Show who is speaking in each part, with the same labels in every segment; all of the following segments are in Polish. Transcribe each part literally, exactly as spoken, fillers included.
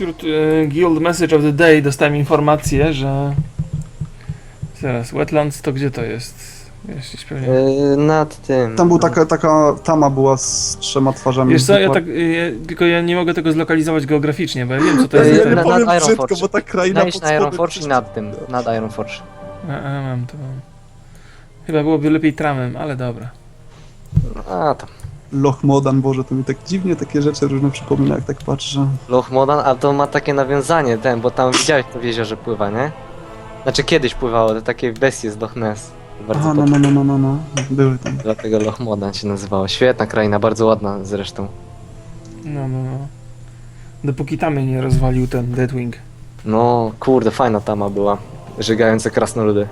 Speaker 1: wśród y, Guild Message of the Day dostałem informację, że... Zaraz, Wetlands to gdzie to jest? Jeśli pewnie...
Speaker 2: Yy, nad tym.
Speaker 3: Tam był taka, taka tama była z trzema twarzami.
Speaker 1: Wiesz co, ja tak, y, tylko ja nie mogę tego zlokalizować geograficznie, bo ja wiem co to
Speaker 2: Yy,
Speaker 1: jest.
Speaker 2: na-
Speaker 1: Ten...
Speaker 3: powiem
Speaker 2: nad
Speaker 3: brzydko,
Speaker 2: Ironforge.
Speaker 3: bo ta kraina
Speaker 2: Najdź
Speaker 3: pod
Speaker 2: na
Speaker 3: spodem
Speaker 2: Ironforge i
Speaker 3: przecież-
Speaker 2: nad tym. Nad Ironforge.
Speaker 1: A, a, mam to mam. Chyba byłoby lepiej tramem, ale dobra.
Speaker 2: A tam.
Speaker 3: Loch Modan, Boże, to mi tak dziwnie takie rzeczy różne przypomina, jak tak patrzę.
Speaker 2: Loch Modan, a to ma takie nawiązanie ten, bo tam widziałeś to w jeziorze pływa, nie? Znaczy kiedyś pływało, to takie bestie z Loch Ness. Bardzo
Speaker 3: Aha, no,
Speaker 2: no,
Speaker 3: no, no, no, no, no, były tam.
Speaker 2: Dlatego Loch Modan się nazywało. Świetna kraina, bardzo ładna zresztą.
Speaker 1: No, no, no. Dopóki tamy nie rozwalił ten Deathwing.
Speaker 2: No, kurde, fajna tama była. Żygające krasnoludy.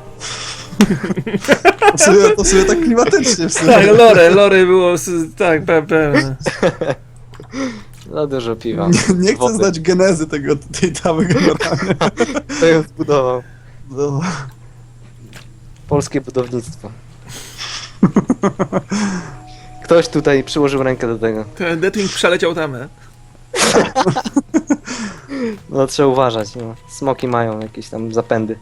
Speaker 3: To sobie, to sobie tak klimatycznie w sumie.
Speaker 1: Tak, lore, lore było, s- tak, pe- pewne.
Speaker 2: Za dużo piwa.
Speaker 3: Nie, nie chcę
Speaker 2: Wody.
Speaker 3: znać genezy tego, tej tamy generalnie.
Speaker 2: Kto ją zbudował?
Speaker 3: No.
Speaker 2: Polskie budownictwo. Ktoś tutaj przyłożył rękę do tego.
Speaker 1: Ten Deathwing przeleciał tamę.
Speaker 2: No trzeba uważać, no. Smoki mają jakieś tam zapędy.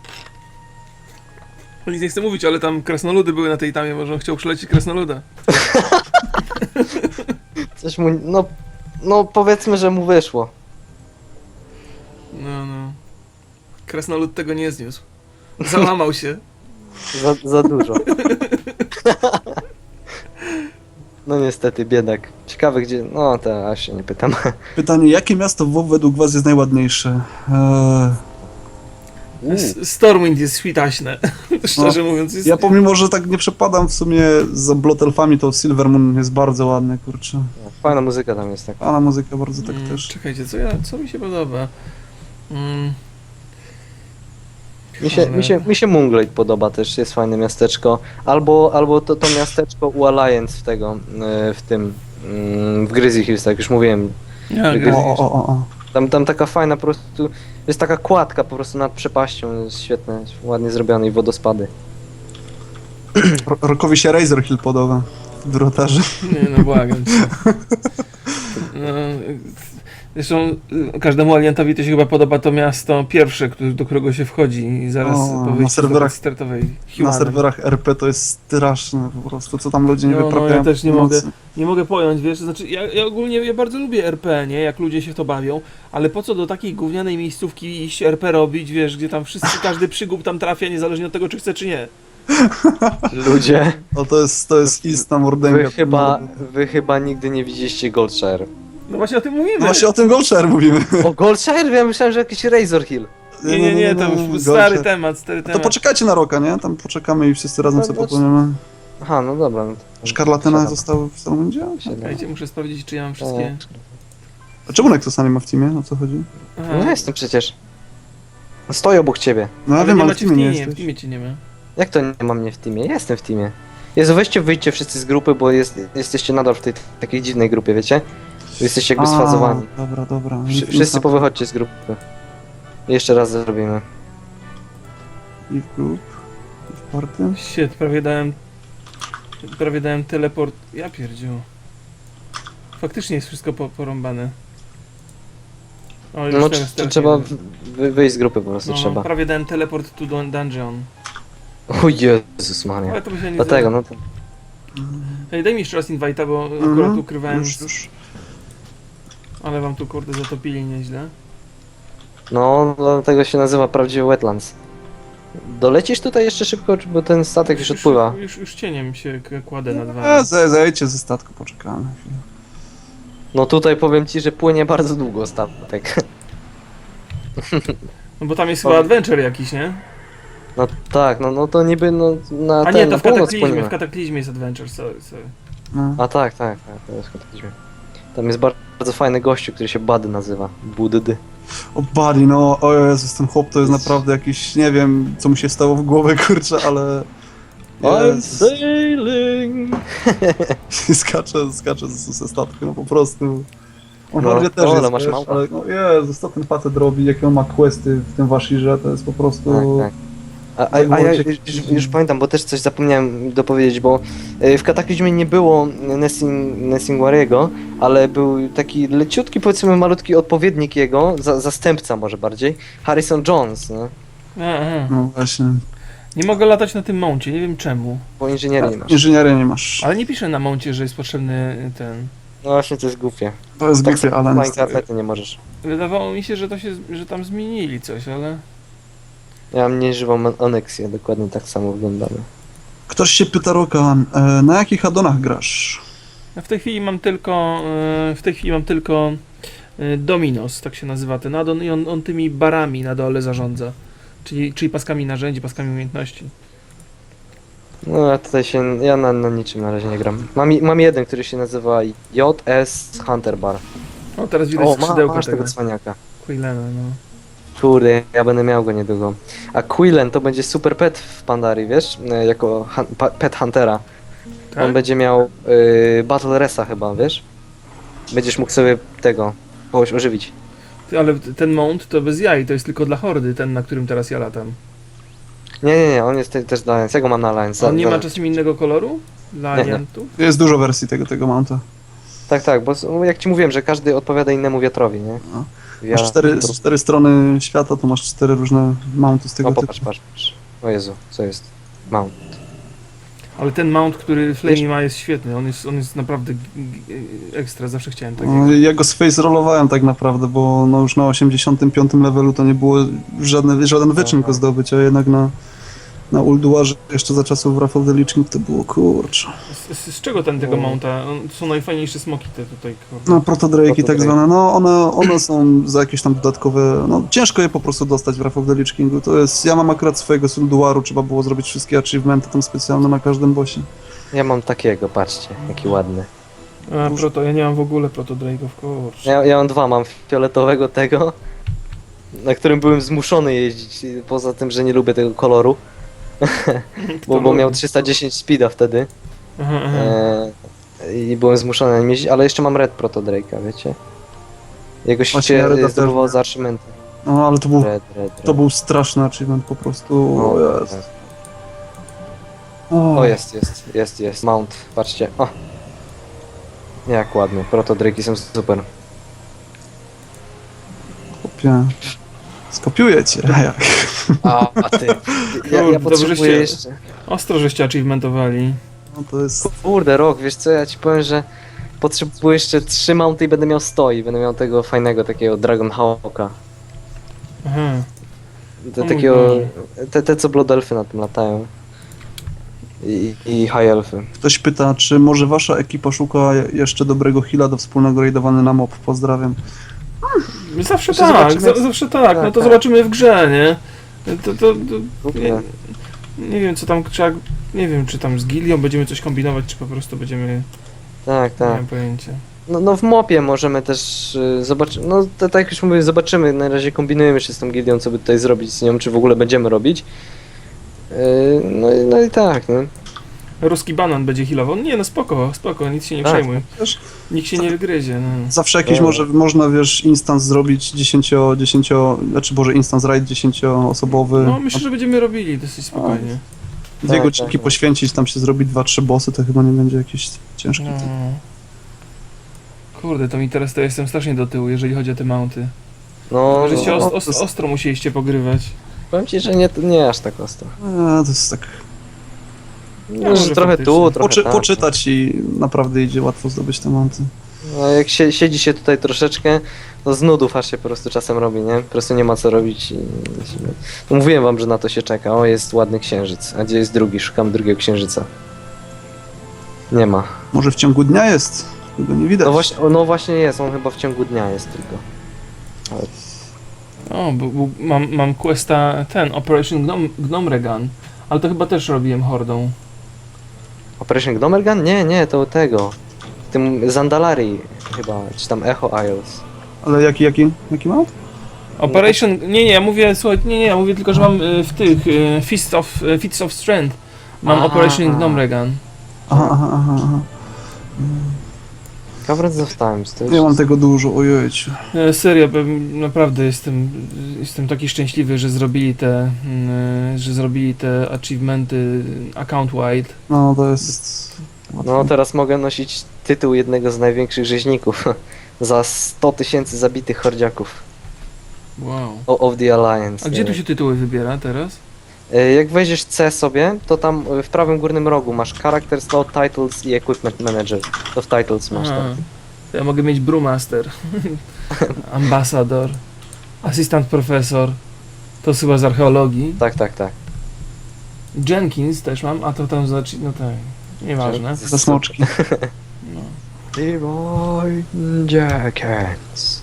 Speaker 1: O nic nie chcę mówić, ale tam krasnoludy były na tej tamie, może on chciał przelecieć krasnoluda.
Speaker 2: Coś mu, no, no powiedzmy, że mu wyszło.
Speaker 1: No, no. Krasnolud tego nie zniósł. Załamał się.
Speaker 2: Za, za dużo. No niestety, biedak. Ciekawe gdzie, no to aż się nie pytam.
Speaker 3: Pytanie, jakie miasto w WoW według was jest najładniejsze? Eee,
Speaker 1: S- Stormwind jest świtaśne. Szczerze mówiąc. Jest...
Speaker 3: ja pomimo, że tak nie przepadam w sumie za Blotelfami, to Silvermoon jest bardzo ładny, kurczę.
Speaker 2: Fajna muzyka tam jest taka.
Speaker 3: A na muzykę bardzo tak
Speaker 1: Mm,
Speaker 3: też.
Speaker 1: Czekajcie, co, ja, co mi się podoba? Mm,
Speaker 2: Mi się, mi się, mi się Moonglade podoba też, jest fajne miasteczko. Albo, albo to, to miasteczko u Alliance w tego, e, w tym, mm, w Grizzly Hills, tak już mówiłem.
Speaker 1: ja,
Speaker 2: Gry-
Speaker 3: O, o, o, o, o.
Speaker 2: Tam, tam taka fajna po prostu, jest taka kładka po prostu nad przepaścią, jest świetne, ładnie zrobione i wodospady.
Speaker 3: Ro- Rokowi się Razor Hill podoba w Drotarze.
Speaker 1: Nie, no błagam cię. No, zresztą y, każdemu aliantowi to się chyba podoba to miasto pierwsze, który, do którego się wchodzi i zaraz
Speaker 3: O,
Speaker 1: po
Speaker 3: na
Speaker 1: wyjściu
Speaker 3: serwerach-
Speaker 1: z startowej
Speaker 3: Na
Speaker 1: Humanem.
Speaker 3: serwerach R P to jest straszne po prostu, co tam ludzie nie
Speaker 1: No, no,
Speaker 3: wyprawiają.
Speaker 1: ja też nie
Speaker 3: w nocy.
Speaker 1: mogę. Nie mogę pojąć, wiesz, znaczy ja, ja ogólnie ja bardzo lubię R P, nie, jak ludzie się w to bawią, ale po co do takiej gównianej miejscówki iść R P robić, wiesz, gdzie tam wszyscy, każdy przygód tam trafia, niezależnie od tego, czy chce, czy nie.
Speaker 2: Ludzie,
Speaker 3: No to jest, to jest istna mordęga.
Speaker 2: wy chyba, wy chyba nigdy nie widzieliście Goldshire.
Speaker 1: No właśnie o tym mówimy.
Speaker 3: No właśnie o tym Goldshire mówimy.
Speaker 2: O Goldshire? Ja myślałem, że jakiś Razor Hill.
Speaker 1: Nie, nie, nie, to już
Speaker 3: Goldshire.
Speaker 1: stary temat, stary
Speaker 3: To
Speaker 1: temat.
Speaker 3: poczekajcie na Roka, nie? Tam poczekamy i wszyscy razem
Speaker 2: No,
Speaker 3: sobie
Speaker 2: no,
Speaker 3: popłyniemy.
Speaker 2: Aha, no dobra. No to-
Speaker 3: Szkarlatyna
Speaker 2: siadam.
Speaker 3: zostały w Stormwindzie?
Speaker 2: Siadam.
Speaker 1: Czekajcie, muszę sprawdzić, czy ja mam wszystkie...
Speaker 3: A czemu Nexusa nie ma w teamie? O co chodzi?
Speaker 1: Aha.
Speaker 2: No ja jestem przecież. Stoję obok ciebie.
Speaker 3: No ja
Speaker 1: Ale
Speaker 3: wiem,
Speaker 1: nie
Speaker 3: ale w
Speaker 1: macie w
Speaker 3: teamie nie
Speaker 1: teamie, w
Speaker 3: jesteś.
Speaker 1: teamie cię nie ma.
Speaker 2: Jak to nie ma mnie w teamie? Ja jestem w teamie. Jezu, weźcie, wyjdźcie wszyscy z grupy, bo jest, jesteście nadal w tej takiej dziwnej grupie, wiecie? Wy jesteście jakby
Speaker 3: A,
Speaker 2: sfazowani.
Speaker 3: Dobra, dobra.
Speaker 2: Wszy- Wszyscy powychodźcie z grupy. Jeszcze raz zrobimy.
Speaker 3: I w group, i w party.
Speaker 1: Shit, prawie dałem... Prawie dałem teleport... Ja pierdziu. Faktycznie jest wszystko po, porąbane. O, już
Speaker 2: No
Speaker 1: teraz,
Speaker 2: tr-
Speaker 1: teraz
Speaker 2: trzeba
Speaker 1: nie wiem.
Speaker 2: wy- wyjść z grupy po prostu,
Speaker 1: No,
Speaker 2: trzeba.
Speaker 1: prawie dałem teleport to dun- dungeon.
Speaker 2: O Jezus Maria.
Speaker 1: Ale to by się nie
Speaker 2: Dlatego,
Speaker 1: zdało.
Speaker 2: no to...
Speaker 1: Ej, daj mi jeszcze raz invite'a, bo
Speaker 3: Mhm,
Speaker 1: akurat ukrywałem,
Speaker 3: Już, już.
Speaker 1: ale wam tu kurde zatopili nieźle.
Speaker 2: No, dlatego się nazywa prawdziwy Wetlands. Dolecisz tutaj jeszcze szybko, czy- bo ten statek już odpływa.
Speaker 1: Już, już cieniem się k- kładę nad
Speaker 3: A,
Speaker 1: wami.
Speaker 3: ze- zejdźcie ze statku, poczekamy. chwilę.
Speaker 2: No tutaj powiem ci, że płynie bardzo długo statek.
Speaker 1: No bo tam jest chyba adventure jakiś, nie?
Speaker 2: No tak, no, no to niby no, na
Speaker 1: A
Speaker 2: ten,
Speaker 1: nie,
Speaker 2: na
Speaker 1: to w
Speaker 2: północ
Speaker 1: kataklizmie,
Speaker 2: płyniemy.
Speaker 1: w kataklizmie jest adventure, sorry, sorry.
Speaker 3: No.
Speaker 2: A tak, tak, tak, to jest kataklizmie. Tam jest bar- bardzo fajny gościu, który się Buddy nazywa. Buddy.
Speaker 3: O Buddy, no, o Jezus, ten chłop to jest naprawdę jakiś, nie wiem, co mu się stało w głowę, kurczę, ale... Jest,
Speaker 2: sailing.
Speaker 3: skacze, skacze ze, ze statku, no po prostu. On
Speaker 2: No,
Speaker 3: no, też
Speaker 2: o, ale
Speaker 3: jest,
Speaker 2: masz
Speaker 3: wiesz,
Speaker 2: małpa.
Speaker 3: ale no Jezus, co ten facet robi, jakie on ma questy w tym Washirze, to jest po prostu...
Speaker 2: Tak, tak. A, a, a ja już, już pamiętam, bo też coś zapomniałem dopowiedzieć, bo y, w Kataklizmie nie było Nessing, Nessingwariego, ale był taki leciutki, powiedzmy malutki odpowiednik jego, za, zastępca może bardziej, Harrison Jones, nie?
Speaker 1: Aha.
Speaker 3: No właśnie.
Speaker 1: Nie mogę latać na tym mouncie, nie wiem czemu.
Speaker 2: Bo inżynierii nie masz.
Speaker 3: Inżynieria nie masz.
Speaker 1: Ale nie piszę na mouncie, że jest potrzebny ten...
Speaker 2: No właśnie, to jest głupie.
Speaker 3: To jest
Speaker 2: Tak
Speaker 3: głupie,
Speaker 2: samo
Speaker 3: ale
Speaker 2: w
Speaker 3: niestety.
Speaker 2: Minecrafcie nie możesz.
Speaker 1: Wydawało mi się, że to się, że tam zmienili coś, ale...
Speaker 2: Ja mam nieżywą Onyxię, dokładnie tak samo wyglądamy.
Speaker 3: Ktoś się pyta, Rokan, e, na jakich addonach grasz?
Speaker 1: Ja w tej chwili mam tylko... e, W tej chwili mam tylko... e, Dominos, tak się nazywa ten addon i on, on tymi barami na dole zarządza. Czyli, czyli paskami narzędzi, paskami umiejętności.
Speaker 2: No ja tutaj się, ja na, na niczym na razie nie gram. Mam, i- mam jeden, który się nazywa J S Hunter Bar.
Speaker 1: O, teraz widać
Speaker 2: O, ma,
Speaker 1: skrzydełko
Speaker 2: masz
Speaker 1: tego.
Speaker 2: tego cwaniaka.
Speaker 1: Quillena, no.
Speaker 2: Kurde, ja będę miał go niedługo. A Quillen to będzie super pet w Pandarii, wiesz? E, Jako han, pa, pet Huntera.
Speaker 1: Tak?
Speaker 2: On będzie miał y, Battle Resa chyba, wiesz? Będziesz mógł sobie tego kogoś ożywić.
Speaker 1: Ty, ale ten mount to bez jaj, to jest tylko dla hordy, ten na którym teraz ja latam.
Speaker 2: Nie, nie, nie, on jest te, też dla Alliance. Ja go mam na Alliance.
Speaker 1: On nie
Speaker 2: Za-
Speaker 1: ma czasem innego koloru? Dla
Speaker 2: Nie, nie.
Speaker 1: aliantów?
Speaker 3: Jest dużo wersji tego, tego mounta.
Speaker 2: Tak, tak, bo s- jak ci mówiłem, że każdy odpowiada innemu wiatrowi, nie?
Speaker 3: No.
Speaker 2: Ja,
Speaker 3: Masz cztery, z cztery strony świata, to masz cztery różne mounty z tego
Speaker 2: O,
Speaker 3: typu.
Speaker 2: popatrz, patrz, patrz. O Jezu, co jest? Mount.
Speaker 1: Ale ten mount, który Flamey
Speaker 2: Wiesz-
Speaker 1: ma jest świetny, on jest, on jest naprawdę g- g- ekstra, zawsze chciałem takiego.
Speaker 3: No, ja go space rollowałem tak naprawdę, bo no już na osiemdziesiątym piątym levelu to nie było żadne, żaden wyczyn go zdobyć, a jednak na, na Ulduarze jeszcze za czasów Wrath of the Lich King to było kurczę.
Speaker 1: Z, z, z czego ten tego
Speaker 2: O.
Speaker 1: mounta? On, są najfajniejsze smoki te tutaj, kurde.
Speaker 3: No protodrake'i tak
Speaker 2: Protodrake.
Speaker 3: zwane, no one, one są za jakieś tam dodatkowe, no ciężko je po prostu dostać w Wrath of the Lich Kingu, to jest, ja mam akurat swojego z Ulduaru, trzeba było zrobić wszystkie achievementy tam specjalne na każdym bossie.
Speaker 2: Ja mam takiego, patrzcie, jaki ładny.
Speaker 1: A, proto, ja nie mam w ogóle protodrake'ów, kurczę.
Speaker 2: Ja, ja mam dwa, mam fioletowego tego, na którym byłem zmuszony jeździć, poza tym, że nie lubię tego koloru, bo, bo miał trzysta dziesięć speeda wtedy.
Speaker 1: Aha, aha.
Speaker 2: E, I byłem zmuszony na nim jeździć, ale jeszcze mam Red Proto Drake'a, wiecie? Jego
Speaker 3: Właśnie ja Reda
Speaker 2: się
Speaker 3: też
Speaker 2: zdobywał
Speaker 3: miałem.
Speaker 2: za achievementy.
Speaker 3: No ale to był,
Speaker 2: Red, Red, Red.
Speaker 3: to był straszny achievement po prostu,
Speaker 2: O,
Speaker 3: o jest.
Speaker 2: tak. O, jest, jest, jest, jest. Mount, patrzcie. O. Jak ładnie, Proto Drake'i są super.
Speaker 3: Chłopie. Skopiuję cię, jak?
Speaker 2: A, a ty. Ja,
Speaker 1: Kurde,
Speaker 2: ja potrzebuję
Speaker 1: żeście-
Speaker 2: jeszcze.
Speaker 1: Ostro, żeście achievementowali.
Speaker 3: No to jest...
Speaker 2: Kurde, rok, wiesz co, ja ci powiem, że potrzebuję jeszcze trzy mounty i będę miał sto i będę miał tego fajnego takiego Dragon Hawka.
Speaker 1: Aha.
Speaker 2: Te,
Speaker 1: O mój
Speaker 2: takiego,
Speaker 1: Boże.
Speaker 2: te, te co Blood Elfy na tym latają. I, i High Elfy.
Speaker 3: Ktoś pyta, czy może wasza ekipa szuka jeszcze dobrego heala do wspólnego raidowania na mob? Pozdrawiam.
Speaker 1: Zawsze
Speaker 2: Jeszcze
Speaker 1: tak,
Speaker 2: zobaczymy,
Speaker 1: za, zawsze tak,
Speaker 2: tak,
Speaker 1: no to
Speaker 2: tak.
Speaker 1: zobaczymy w grze, nie? To, to, to,
Speaker 2: Kurde.
Speaker 1: nie, nie wiem co tam trzeba, nie wiem czy tam z gilią będziemy coś kombinować, czy po prostu będziemy,
Speaker 2: Tak,
Speaker 1: nie
Speaker 2: tak.
Speaker 1: mam pojęcia.
Speaker 2: No, no w mopie możemy też y, zobaczyć, no to, tak jak już mówię, zobaczymy, na razie kombinujemy się z tą gildią, co by tutaj zrobić z nią, czy w ogóle będziemy robić. Yy, no, i- no i tak, no.
Speaker 1: Ruski banan będzie healował, nie no spoko, spoko, nic się nie
Speaker 2: Tak.
Speaker 1: przejmuj,
Speaker 3: Wiesz,
Speaker 1: nikt się nie wygryzie, no.
Speaker 3: zawsze jakiś
Speaker 2: Dobra.
Speaker 3: może, można, wiesz, instans zrobić dziesięcio, dziesięcio, znaczy Boże, instans raid dziesięcioosobowy.
Speaker 1: No myślę, że będziemy robili dosyć spokojnie.
Speaker 3: Dwie
Speaker 2: tak,
Speaker 3: godzinki
Speaker 2: tak.
Speaker 3: poświęcić, tam się zrobić dwa, trzy bossy, to chyba nie będzie jakieś ciężkie.
Speaker 1: No. Kurde, to mi teraz to jestem strasznie do tyłu, jeżeli chodzi o te mounty.
Speaker 2: No,
Speaker 1: Żeście
Speaker 2: no,
Speaker 1: os,
Speaker 3: to
Speaker 1: os,
Speaker 3: jest-
Speaker 1: ostro musieliście pogrywać.
Speaker 2: powiem ci, że nie, nie aż tak ostro.
Speaker 3: Eee, to jest tak,
Speaker 2: No,
Speaker 1: może
Speaker 2: że trochę
Speaker 1: faktycznie.
Speaker 2: tu, trochę
Speaker 3: poczy,
Speaker 2: tam.
Speaker 3: poczytać i naprawdę idzie łatwo zdobyć te monty.
Speaker 2: No, jak się, siedzi się tutaj troszeczkę, to z nudów aż się po prostu czasem robi, nie? Po prostu nie ma co robić i... No, mówiłem wam, że na to się czeka. O, jest ładny księżyc. A gdzie jest drugi? Szukam drugiego księżyca. Nie ma.
Speaker 3: Może w ciągu dnia jest, tego nie widać.
Speaker 2: No właśnie, o, no właśnie jest, on chyba w ciągu dnia jest tylko.
Speaker 1: O, bo, bo mam, mam questa ten, Operation Gnome, Gnome Gun, ale to chyba też robiłem hordą.
Speaker 2: Operation Gnomergan? Nie, nie, to tego. Tym Zandalari chyba, czy tam Echo Isles.
Speaker 3: Ale jaki, jaki, jaki mount?
Speaker 1: Operation, nie, nie, ja mówię, słuchaj, nie, nie, ja mówię tylko, że mam y, w tych, y, Fist of, y, Feats of Strength, mam
Speaker 2: A.
Speaker 1: Operation Gnome Gun.
Speaker 3: Aha, aha, aha, aha.
Speaker 2: Coverage of Times, to jest...
Speaker 3: Nie mam tego dużo, ojejciu.
Speaker 1: E, Serio, bym- naprawdę jestem, jestem taki szczęśliwy, że zrobili te, mm, że zrobili te achievementy account wide.
Speaker 3: No to jest...
Speaker 2: No teraz mogę nosić tytuł jednego z największych rzeźników. Za sto tysięcy zabitych hordziaków.
Speaker 1: Wow.
Speaker 2: O- Of the Alliance.
Speaker 1: A
Speaker 2: nie
Speaker 1: gdzie tu
Speaker 2: wiem.
Speaker 1: się tytuły wybiera teraz?
Speaker 2: E, Jak wejdziesz C sobie, to tam e, w prawym górnym rogu masz Character Slot, Titles i Equipment Manager. To w Titles masz
Speaker 1: Aha.
Speaker 2: tam.
Speaker 1: To ja mogę mieć Brewmaster, Ambassador, Asystent Profesor, to chyba z archeologii.
Speaker 2: Tak, tak, tak.
Speaker 1: Jenkins też mam, a to tam znaczy, no tak, nieważne.
Speaker 2: Że-
Speaker 3: Za smoczki.
Speaker 1: No.
Speaker 2: Leroy Jenkins.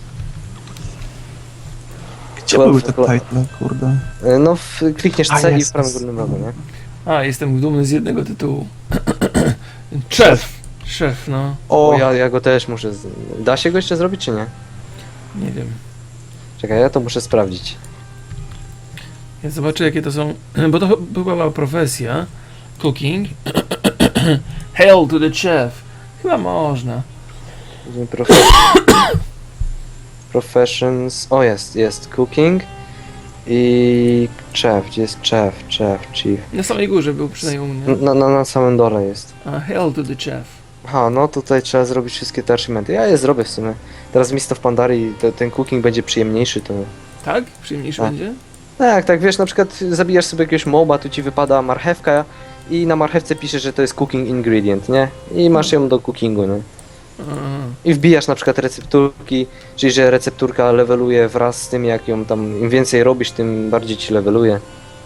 Speaker 3: Gdzie były te title, kurde?
Speaker 2: E, No, w, klikniesz
Speaker 3: A,
Speaker 2: C i
Speaker 3: jest,
Speaker 2: w prawym
Speaker 3: jest.
Speaker 2: górnym rogu, nie?
Speaker 1: A, jestem dumny z jednego tytułu. Szef! Szef, no,
Speaker 2: O,
Speaker 3: O,
Speaker 2: ja, ja go też muszę... Z... Da się go jeszcze zrobić, czy nie?
Speaker 1: nie wiem.
Speaker 2: Czekaj, ja to muszę sprawdzić.
Speaker 1: Ja zobaczę jakie to są, bo to ch- była profesja, cooking. Hail to the chef. Chyba można.
Speaker 2: Profe... Professions... O, jest, jest. Cooking i... Chef, gdzie jest chef, chef, chief?
Speaker 1: Na samej górze był przynajmniej u mnie.
Speaker 2: Na, na, na samym dole jest.
Speaker 1: A, hail to the chef.
Speaker 2: Aha, no tutaj trzeba zrobić wszystkie te achievementy. Ja je zrobię w sumie. Teraz Mist of Pandarii, to, ten cooking będzie przyjemniejszy, to...
Speaker 1: Tak? Przyjemniejszy
Speaker 2: Tak.
Speaker 1: będzie?
Speaker 2: Tak, tak, wiesz, na przykład zabijasz sobie jakiegoś moba, tu ci wypada marchewka i na marchewce pisze, że to jest cooking ingredient, nie? I masz ją do cookingu, nie?
Speaker 1: Aha.
Speaker 2: I wbijasz na przykład recepturki, czyli że recepturka leveluje wraz z tym, jak ją tam, im więcej robisz, tym bardziej ci leveluje.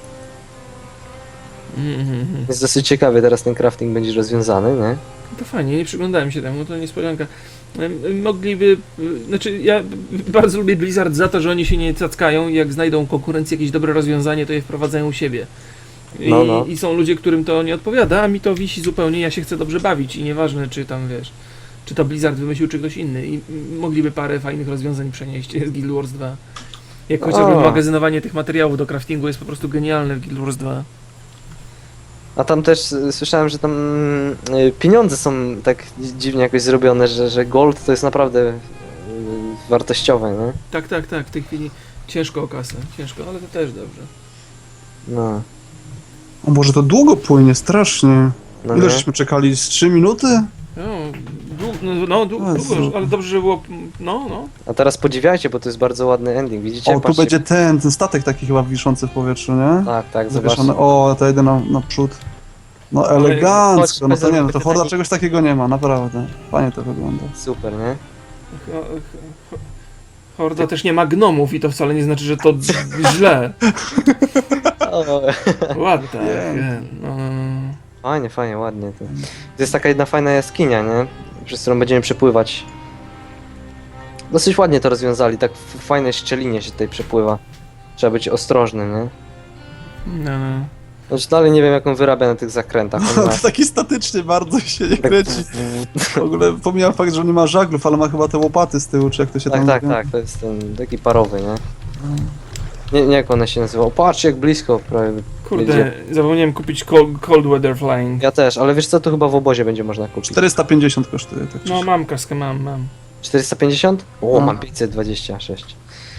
Speaker 1: Mhm, mhm.
Speaker 2: Jest dosyć ciekawy, teraz ten crafting będzie rozwiązany, nie?
Speaker 1: To fajnie, nie przyglądałem się temu, to niespodzianka. Em, Mogliby, y, znaczy ja bardzo lubię Blizzard za to, że oni się nie cackają i jak znajdą konkurencję jakieś dobre rozwiązanie, to je wprowadzają u siebie. I,
Speaker 2: No, no.
Speaker 1: I są ludzie, którym to nie odpowiada, a mi to wisi zupełnie, ja się chcę dobrze bawić i nieważne czy tam wiesz, czy to Blizzard wymyślił, czy ktoś inny i mm, mogliby parę fajnych rozwiązań przenieść z Guild Wars dwa. Jak chociażby
Speaker 2: O.
Speaker 1: magazynowanie tych materiałów do craftingu jest po prostu genialne w Guild Wars dwa.
Speaker 2: A tam też y, słyszałem, że tam y, pieniądze są tak dzi- dziwnie jakoś zrobione, że, że gold to jest naprawdę y, wartościowe, nie?
Speaker 1: Tak, tak, tak, w tej chwili ciężko o kasę, ciężko, ale to też dobrze.
Speaker 2: No,
Speaker 3: o Boże, to długo płynie, strasznie.
Speaker 2: no
Speaker 3: Ile
Speaker 2: nie?
Speaker 3: żeśmy czekali? Z trzy minuty?
Speaker 1: No, dłu- no, no dłu-
Speaker 3: Jezu.
Speaker 1: długo, ale dobrze, że było, no, no.
Speaker 2: A teraz podziwiajcie, bo to jest bardzo ładny ending, widzicie?
Speaker 3: O, tu
Speaker 2: Patrzcie.
Speaker 3: będzie ten, ten statek taki chyba wiszący w powietrzu, nie?
Speaker 2: Tak, tak,
Speaker 3: Zawieszony.
Speaker 2: zobaczcie.
Speaker 3: O, to jedę na, naprzód. No
Speaker 1: Ale-
Speaker 3: elegancko, no
Speaker 2: chodź,
Speaker 3: to nie, no
Speaker 2: chodź,
Speaker 3: to
Speaker 2: chodź,
Speaker 3: Horda
Speaker 2: taki-
Speaker 3: czegoś takiego nie ma, naprawdę. Fajnie to wygląda.
Speaker 2: Super, nie?
Speaker 1: Ho- ho- Horda też nie ma gnomów i to wcale nie znaczy, że to źle.
Speaker 2: O,
Speaker 1: Ładne.
Speaker 3: Nie.
Speaker 1: No, no, no.
Speaker 2: fajnie, fajnie, ładnie. To. to jest taka jedna fajna jaskinia, nie? Przez którą będziemy przepływać. Dosyć ładnie to rozwiązali, tak w fajnej szczelinie się tutaj przepływa. Trzeba być ostrożnym, nie?
Speaker 1: No, no.
Speaker 2: Znaczy dalej nie wiem jak on wyrabia na tych zakrętach. On ma...
Speaker 3: To taki statycznie bardzo się nie
Speaker 2: tak,
Speaker 3: kręci. W ogóle pomijam fakt, że on nie ma żaglów, ale ma chyba te łopaty z tyłu, czy jak to się
Speaker 2: tak,
Speaker 3: tam
Speaker 2: tak,
Speaker 3: mówi.
Speaker 2: tak, to jest ten taki parowy, nie? Nie, nie jak one się nazywa. O, patrzcie jak blisko prawie.
Speaker 1: Kurde,
Speaker 2: Jedzie.
Speaker 1: zapomniałem kupić cold, cold Weather Flying.
Speaker 2: Ja też, ale wiesz co, to chyba w obozie będzie można kupić.
Speaker 3: czterysta pięćdziesiąt kosztuje, tak czy
Speaker 1: No
Speaker 3: siak.
Speaker 1: mam kaskę, mam, mam.
Speaker 2: czterysta pięćdziesiąt? O,
Speaker 3: No.
Speaker 2: mam pięćset dwadzieścia sześć.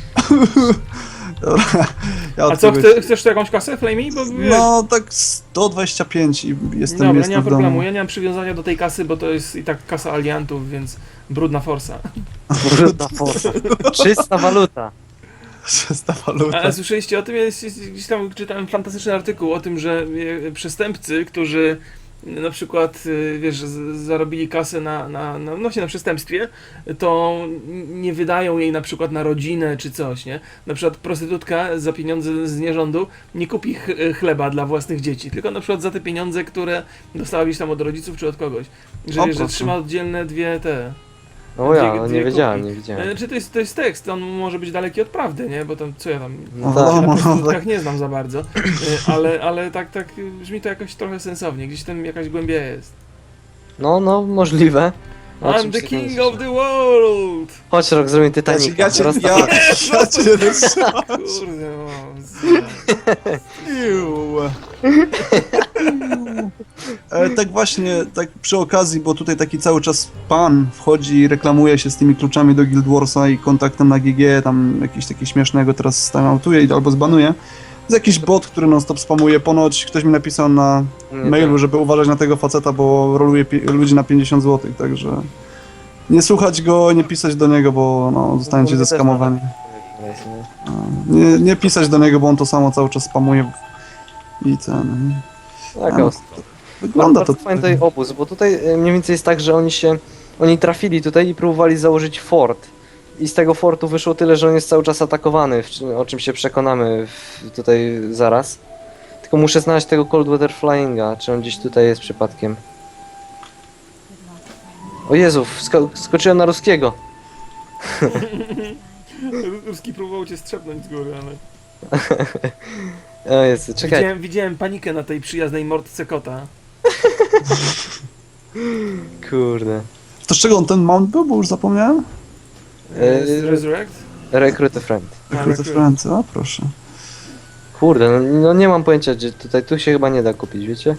Speaker 3: Dobra, ja
Speaker 1: A
Speaker 3: od
Speaker 1: co,
Speaker 3: kogoś-
Speaker 1: chce, chcesz tu jakąś kasę, Flamey? Bo wiesz,
Speaker 3: No, tak sto dwadzieścia pięć i jestem,
Speaker 1: dobra,
Speaker 3: jestem
Speaker 1: nie ma
Speaker 3: w domu.
Speaker 1: problemu, ja nie mam przywiązania do tej kasy, bo to jest i tak kasa aliantów, więc brudna forsa.
Speaker 2: Brudna forsa. Czysta waluta.
Speaker 3: Czysta waluta.
Speaker 1: Ale słyszeliście o tym? Jest, jest, gdzieś tam czytałem fantastyczny artykuł o tym, że e, przestępcy, którzy na przykład, e, wiesz, z, zarobili kasę na, na, na, no właśnie na przestępstwie, to nie wydają jej na przykład na rodzinę czy coś, nie? Na przykład prostytutka za pieniądze z nierządu nie kupi ch chleba dla własnych dzieci, tylko na przykład za te pieniądze, które dostała gdzieś tam od rodziców czy od kogoś. Że,
Speaker 3: O,
Speaker 1: wiesz, że
Speaker 3: proszę.
Speaker 1: trzyma oddzielne dwie te...
Speaker 2: O ja,
Speaker 1: Dwie-
Speaker 2: no,
Speaker 1: dwie
Speaker 2: nie wiedziałem,
Speaker 1: kupi.
Speaker 2: nie wiedziałem.
Speaker 1: Znaczy to jest, to jest tekst, on może być daleki od prawdy, nie? Bo tam, co ja tam...
Speaker 2: No
Speaker 3: No,
Speaker 2: tak.
Speaker 1: Ja na
Speaker 3: no,
Speaker 1: prostytutkach
Speaker 3: tak.
Speaker 1: nie znam za bardzo, y, ale, ale tak, tak y, brzmi to jakoś trochę sensownie, gdzieś tam jakaś głębia jest.
Speaker 2: No, no, możliwe. O
Speaker 1: I'm
Speaker 2: czym
Speaker 1: the
Speaker 2: się
Speaker 1: king
Speaker 2: tam
Speaker 1: of the world!
Speaker 2: Chodź, rok, zrobimy
Speaker 3: Ja cię,
Speaker 2: Titanic.
Speaker 3: ja cię,
Speaker 2: Teraz
Speaker 3: ja, ja cię rozstrzymam.
Speaker 1: Kurde, o, z-
Speaker 3: Iu. E, tak właśnie, tak przy okazji, bo tutaj taki cały czas pan wchodzi i reklamuje się z tymi kluczami do Guild Warsa i kontaktem na G G, tam jakiś taki śmiesznego teraz stanoutuje albo zbanuje. Jest jakiś bot, który non stop spamuje, ponoć ktoś mi napisał na
Speaker 2: Nie,
Speaker 3: mailu,
Speaker 2: tak.
Speaker 3: żeby uważać na tego faceta, bo roluje pi- ludzi na pięćdziesiąt złotych, także nie słuchać go, nie pisać do niego, bo no, zostaniecie
Speaker 2: Mówię też
Speaker 3: zeskamowani.
Speaker 2: No,
Speaker 3: Nie, nie pisać do niego, bo on to samo cały czas spamuje i ten...
Speaker 2: tak,
Speaker 3: no,
Speaker 2: o.
Speaker 3: Wygląda
Speaker 2: Bardzo
Speaker 3: to...
Speaker 2: fajny tutaj obóz, bo tutaj e, mniej więcej jest tak, że oni się, oni trafili tutaj i próbowali założyć fort. I z tego fortu wyszło tyle, że on jest cały czas atakowany, w czym- o czym się przekonamy w, tutaj zaraz. Tylko muszę znaleźć tego Coldwater Flyinga, czy on gdzieś tutaj jest przypadkiem. O Jezu, sko skoczyłem na ruskiego.
Speaker 1: Ruski próbował cię strzepnąć z góry, ale...
Speaker 2: O Jezu, czekaj.
Speaker 1: Widziałem, widziałem panikę na tej przyjaznej mordce kota.
Speaker 2: Kurde.
Speaker 3: To z czego on ten mount był, bo już zapomniałem?
Speaker 2: E,
Speaker 1: Z Resurrect?
Speaker 2: Recruit a friend.
Speaker 1: A,
Speaker 3: Recruit
Speaker 1: Recruit.
Speaker 3: Friends, a proszę.
Speaker 2: Kurde, no, no nie mam pojęcia, gdzie tutaj, tu się chyba nie da kupić, wiecie?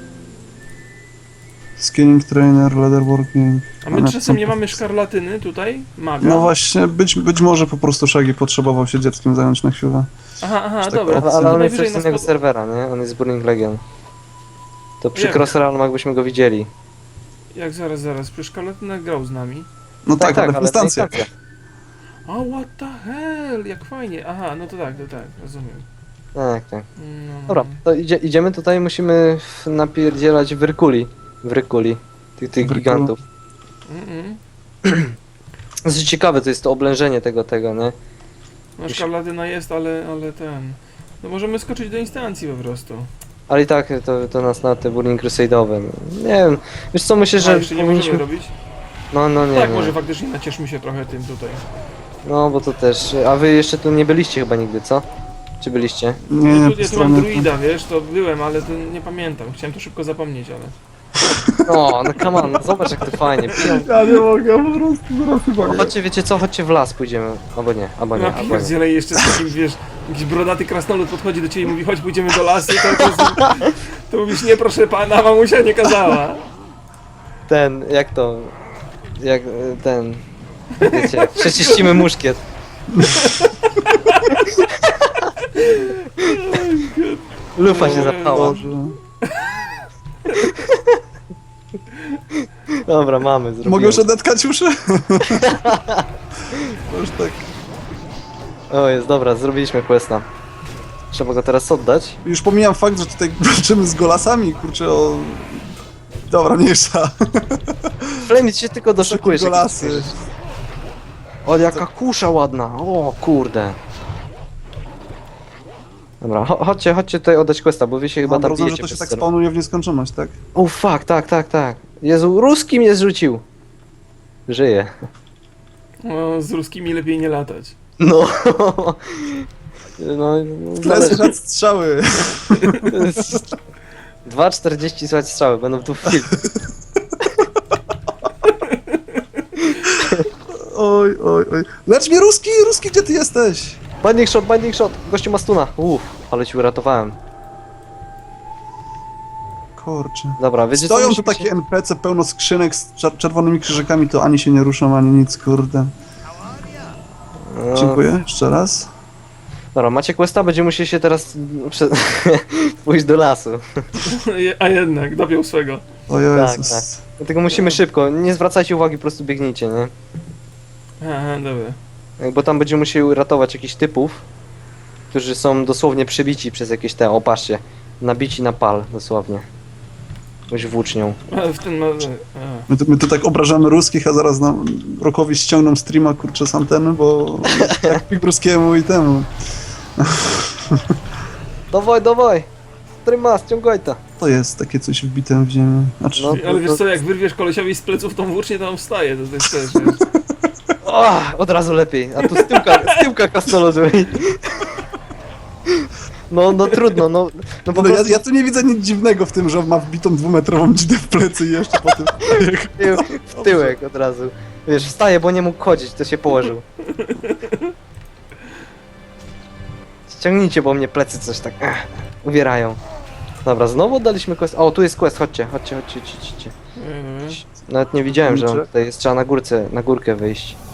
Speaker 3: Skinning Trainer, Leatherworking...
Speaker 1: A my czasem nie mamy szkarlatyny tutaj? Maga?
Speaker 3: No właśnie, być, być może po prostu Shaggy potrzebował się dzieckiem zająć na chwilę.
Speaker 1: Aha, aha,
Speaker 3: tak
Speaker 1: dobra.
Speaker 3: opcja.
Speaker 2: Ale, ale on jest
Speaker 1: Najwyżej
Speaker 2: coś z
Speaker 1: nas
Speaker 2: innego
Speaker 1: pod-
Speaker 2: serwera, nie? On jest z Burning Legion. To przy
Speaker 1: Jak?
Speaker 2: Cross Realmach byśmy go widzieli.
Speaker 1: Jak zaraz, zaraz, przecież szkarlatyna grał z nami.
Speaker 3: No tak, ale w
Speaker 2: to
Speaker 3: instancjach.
Speaker 2: instancja.
Speaker 1: O, what the hell, jak fajnie. Aha, no to tak, to tak, rozumiem.
Speaker 2: Tak, tak.
Speaker 1: No,
Speaker 2: Dobra, to idzie, idziemy tutaj, musimy w- napierdzielać w Rykuli. W Rykuli. Tych, tych
Speaker 3: W Rykulu.
Speaker 2: gigantów.
Speaker 1: Mm-mm.
Speaker 2: Dosyć ciekawe to jest to oblężenie tego, tego, nie?
Speaker 1: No szkarlatyna jest, ale, ale ten... No możemy skoczyć do instancji po prostu.
Speaker 2: Ale i tak to, to nas na te Burning Crusade'owe. No. Nie wiem, wiesz co, myślę,
Speaker 1: Że
Speaker 2: że
Speaker 1: jeszcze nie
Speaker 2: powinniśmy...
Speaker 1: możemy robić?
Speaker 2: No, no nie,
Speaker 1: tak,
Speaker 2: nie.
Speaker 1: może faktycznie nacieszmy się trochę tym tutaj.
Speaker 2: No, bo to też... A wy jeszcze tu nie byliście chyba nigdy, co? Czy byliście?
Speaker 3: Nie,
Speaker 1: Ja
Speaker 3: nie,
Speaker 1: tu,
Speaker 3: po
Speaker 1: ja tu mam
Speaker 3: stronie...
Speaker 1: druida, wiesz, to byłem, ale to nie pamiętam. Chciałem to szybko zapomnieć, ale...
Speaker 2: No, no come on, no zobacz jak to fajnie. Piją...
Speaker 3: Ja nie mogę, po prostu zaraz chyba
Speaker 2: No, chodźcie, wiecie co, chodźcie w las pójdziemy. Albo nie, albo nie,
Speaker 1: Na
Speaker 2: albo nie.
Speaker 1: pierdziele jeszcze z takim, wiesz, jakiś brodaty krasnolud podchodzi do ciebie i mówi, chodź pójdziemy do lasu, to, to, jest, to mówisz, nie proszę pana, mamusia nie kazała.
Speaker 2: Ten, jak to... Jak e, ten... Wiecie, przeczyścimy muszkiet. Lufa się zapchała.
Speaker 3: Boże.
Speaker 2: Dobra, mamy, zrobimy.
Speaker 3: Mogę już odetkać uszy? To już tak.
Speaker 2: O, jest, dobra, zrobiliśmy questa. Trzeba go teraz oddać.
Speaker 3: Już pomijam fakt, że tutaj walczymy z golasami, kurczę o... Dobra, mniejsza.
Speaker 2: Flamit się tylko doszukujesz. jak
Speaker 3: golasy.
Speaker 2: to słyszysz. O, jaka kusza ładna. O, kurde. Dobra, cho- chodźcie, chodźcie tutaj oddać questa, bo wy się chyba
Speaker 3: Mam
Speaker 2: tam
Speaker 3: rozumiem, że
Speaker 2: bijecie
Speaker 3: to się
Speaker 2: przez
Speaker 3: tak
Speaker 2: ster-
Speaker 3: spawnuje w nieskończoność, tak?
Speaker 2: O, fuck, tak, tak, tak. Jezu, ruski mnie zrzucił. Żyje.
Speaker 1: No, z ruskimi lepiej nie latać.
Speaker 2: No. No,
Speaker 3: Plecy żad strzały.
Speaker 2: dwa czterdzieści słuchać strzały, będą tu w film.
Speaker 3: Oj, oj, oj. Lecz mnie Ruski, Ruski, gdzie ty jesteś?
Speaker 2: Binding shot, binding shot, gościu ma stuna. Uff, ale ci uratowałem.
Speaker 3: Kurczę.
Speaker 2: Dobra, wiecie co,
Speaker 3: Stoją tu
Speaker 2: musimy
Speaker 3: takie
Speaker 2: się-
Speaker 3: N P C pełno skrzynek z czer- czerwonymi krzyżykami, to ani się nie ruszą, ani nic, kurde.
Speaker 2: No,
Speaker 3: Dziękuję, jeszcze raz.
Speaker 2: Dobra, macie questa, będziemy musieli się teraz no, prze... pójść do lasu.
Speaker 1: A jednak, dopiął swego.
Speaker 3: O
Speaker 2: Tak,
Speaker 3: Jezus.
Speaker 2: tak. Dlatego musimy szybko, nie zwracajcie uwagi, po prostu biegnijcie, nie?
Speaker 1: Aha, dobra.
Speaker 2: Bo tam będziemy musieli ratować jakichś typów, którzy są dosłownie przebici przez jakieś te, o patrzcie, nabici na pal, dosłownie. Jakąś włócznią.
Speaker 1: Ale w ten ma... A.
Speaker 3: My tu, my tu tak obrażamy ruskich, a zaraz nam Rokowi ściągną streama, kurczę, z anteny, bo jak pik ruskiemu i temu.
Speaker 2: Dawaj, dawaj! Trymas, ciągaj to.
Speaker 3: To jest takie coś wbite w ziemię. Znaczy,
Speaker 2: No.
Speaker 1: Ale wiesz co, jak wyrwiesz kolesiowi z pleców tą włócznię, to on wstaje, to, to jest też, wiesz.
Speaker 2: O, od razu lepiej, a tu z tyłka, z tyłka krasnoludu. No, no trudno, no, no po
Speaker 3: no, ja,
Speaker 2: prostu
Speaker 3: ja tu nie widzę nic dziwnego w tym, że ma wbitą dwumetrową dzidę w plecy i jeszcze po tym...
Speaker 2: tył, w tyłek od razu. Wiesz, wstaje, bo nie mógł chodzić, to się położył. Ściągnijcie, bo mnie plecy coś tak ech, uwierają. Dobra, znowu oddaliśmy quest. O, tu jest quest, chodźcie, chodźcie, chodźcie, chodźcie. chodźcie.
Speaker 1: Mhm.
Speaker 2: Nawet nie widziałem, że on
Speaker 3: Kurczę.
Speaker 2: tutaj jest, trzeba na górce, na górkę wyjść.